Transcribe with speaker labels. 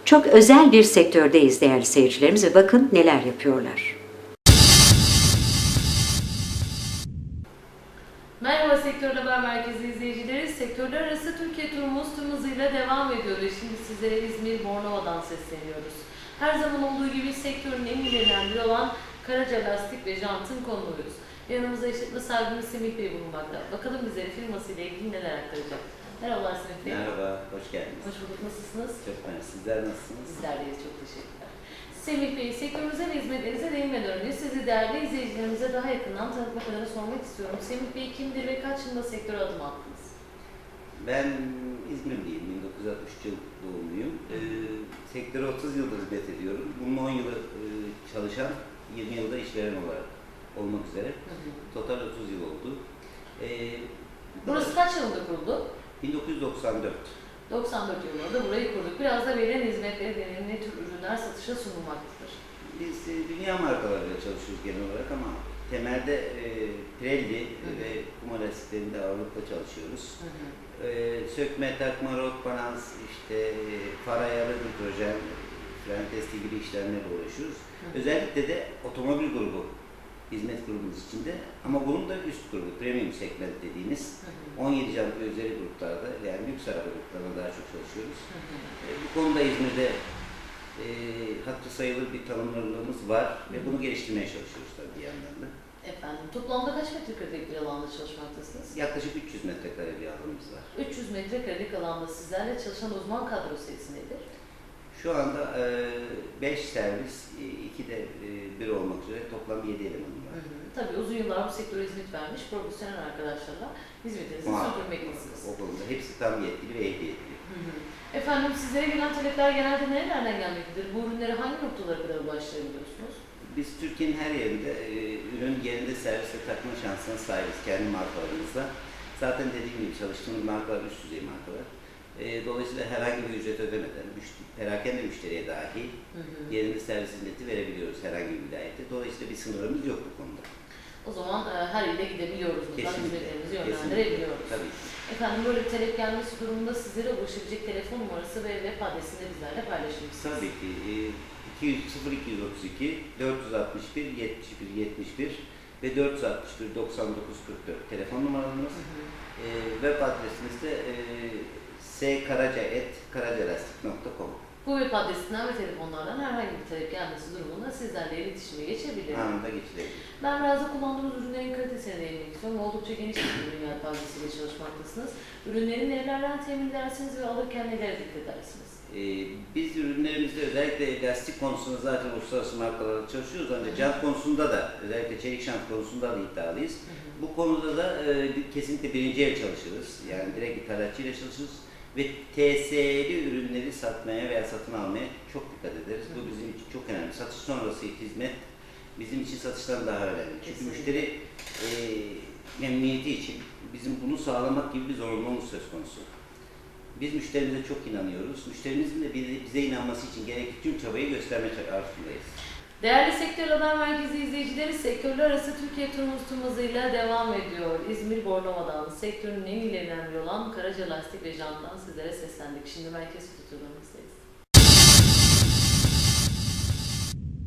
Speaker 1: çok özel bir sektördeyiz değerli seyircilerimiz ve bakın neler yapıyorlar.
Speaker 2: Merhaba Sektör Haber Merkezi izleyicileri. Sektörler arası Türkiye turumuz tüm hızıyla devam ediyor ve şimdi sizlere İzmir Bornova'dan sesleniyoruz. Her zaman olduğu gibi sektörün en ilerinden biri olan Karaca Lastik ve Jant'ın konuğuyuz. Yanımızda işletme sahibimiz Semih Bey bulunmakta. Bakalım bize firmasıyla ilgili neler aktaracak. Merhabalar Semih Bey.
Speaker 3: Merhaba, hoş geldiniz.
Speaker 2: Hoş bulduk. Nasılsınız?
Speaker 3: Çok merhaba. Sizler nasılsınız?
Speaker 2: Bizler deyiz. Çok teşekkürler. Semih Bey, sektörümüze ve hizmetlerinize değinmeden önce sizi değerli izleyicilerimize daha yakından tanıtmak adına sormak istiyorum. Semih Bey kimdir ve kaç yılında sektöre adım attınız?
Speaker 3: Ben İzmirliyim, 1963 yıl doğumluyum. Sektöre 30 yıldır hizmet ediyorum. Bunun 10 yılı çalışan, 20 yılda işveren olarak olmak üzere. Total 30 yıl oldu.
Speaker 2: Burası kaç yılında kuruldu?
Speaker 3: 1994.
Speaker 2: 94 yılında da burayı kurduk. Biraz da verilen hizmetleri deneyim ne tür ürünler satışa sunulmaktadır?
Speaker 3: Biz dünya markalarıyla çalışıyoruz genel olarak ama temelde Pirelli ve Puma lastiklerinde ağırlıkla çalışıyoruz. Sökme, takma, rot, balans, işte far ayarı, hidrojen, fren testi gibi işlemlerle uğraşıyoruz. Özellikle de otomobil grubu, hizmet grubumuz içinde ama bunun da üst grubu, premium segment dediğimiz 17 jant ve üzeri gruplarda yani lüks araba gruplarına daha çok çalışıyoruz. Bu konuda İzmir'de hatırı sayılır bir tanımlarımız var ve bunu geliştirmeye çalışıyoruz tabii bir yandan da.
Speaker 2: Efendim, toplamda kaç metrekarelik bir alanda çalışmaktasınız?
Speaker 3: Yaklaşık 300 metrekare bir alanımız var.
Speaker 2: 300 metrekarelik alanda sizlerle çalışan uzman kadro sayısı nedir?
Speaker 3: Şu anda 5 servis, 2 de 1 olmak üzere toplam 7 elemanım var.
Speaker 2: Tabii uzun yıllar bu sektöre hizmet vermiş profesyonel arkadaşlarla hizmetinizi sürdürmektesiniz.
Speaker 3: O konuda hepsi tam yetkili ve ehliyetli.
Speaker 2: Efendim sizlere gelen talepler genelde nerelerden gelmektedir? Bu ürünlere hangi noktalara kadar ulaştırabiliyorsunuz?
Speaker 3: Biz Türkiye'nin her yerinde ürün yerinde servisle takma şansına sahibiz kendi markalarımızla. Zaten dediğim gibi çalıştığımız markalar üst düzey markalar. Dolayısıyla herhangi bir ücret ödemeden, perakende müşteriye dahi yerinde servis hizmeti verebiliyoruz herhangi bir vilayette. Dolayısıyla bir sınırımız yok bu konuda.
Speaker 2: O zaman her ile gidebiliyoruz. Hizmetlerimizi yönlendirebiliyoruz.
Speaker 3: Tabii.
Speaker 2: Efendim böyle bir talep gelmesi durumunda sizlere ulaşabilecek telefon numarası ve web adresini de bizlerle paylaşır mısınız?
Speaker 3: Tabii ki. 0232 461 71 71 ve 461 99 44 telefon numaralarımız. Web adresimiz de skaraca@karacalastik.com.
Speaker 2: Bu web adresinden ve telefonlardan herhangi bir talep gelmesi durumunda sizlerle iletişime geçebiliriz.
Speaker 3: Anında geçilebilir.
Speaker 2: Ben biraz da kullandığımız ürünlerin kalitesine değinmek istiyorum. Oldukça geniş bir ürün yelpazesiyle çalışmaktasınız. Ürünleri nelerden temin edersiniz ve alırken nelere dikkat edersiniz?
Speaker 3: Biz ürünlerimizde özellikle lastik konusunda zaten uluslararası markalarla çalışıyoruz ancak jant konusunda da özellikle çelik jant konusunda da iddialıyız. Bu konuda da kesinlikle birinci el çalışırız. Yani direkt ithalatçıyla çalışırız ve TSE'li ürünleri satmaya veya satın almaya çok dikkat ederiz. Bu bizim için çok önemli. Satış sonrası hizmet bizim için satıştan daha önemli. Çünkü müşteri memnuniyeti için bizim bunu sağlamak gibi bir zorunluluğumuz söz konusu. Biz müşterimize çok inanıyoruz. Müşterimizin de bize inanması için gerekli tüm çabayı gösterme arzusundayız.
Speaker 2: Değerli Sektör Haber Merkezi izleyicileri, sektörler arası Türkiye turumuz tüm hızıyla devam ediyor. İzmir Bornova'dan, sektörün en ilerinden biri olan Karaca Lastik ve Jant'tan sizlere seslendik. Şimdi merkez stüdyolarımızdayız.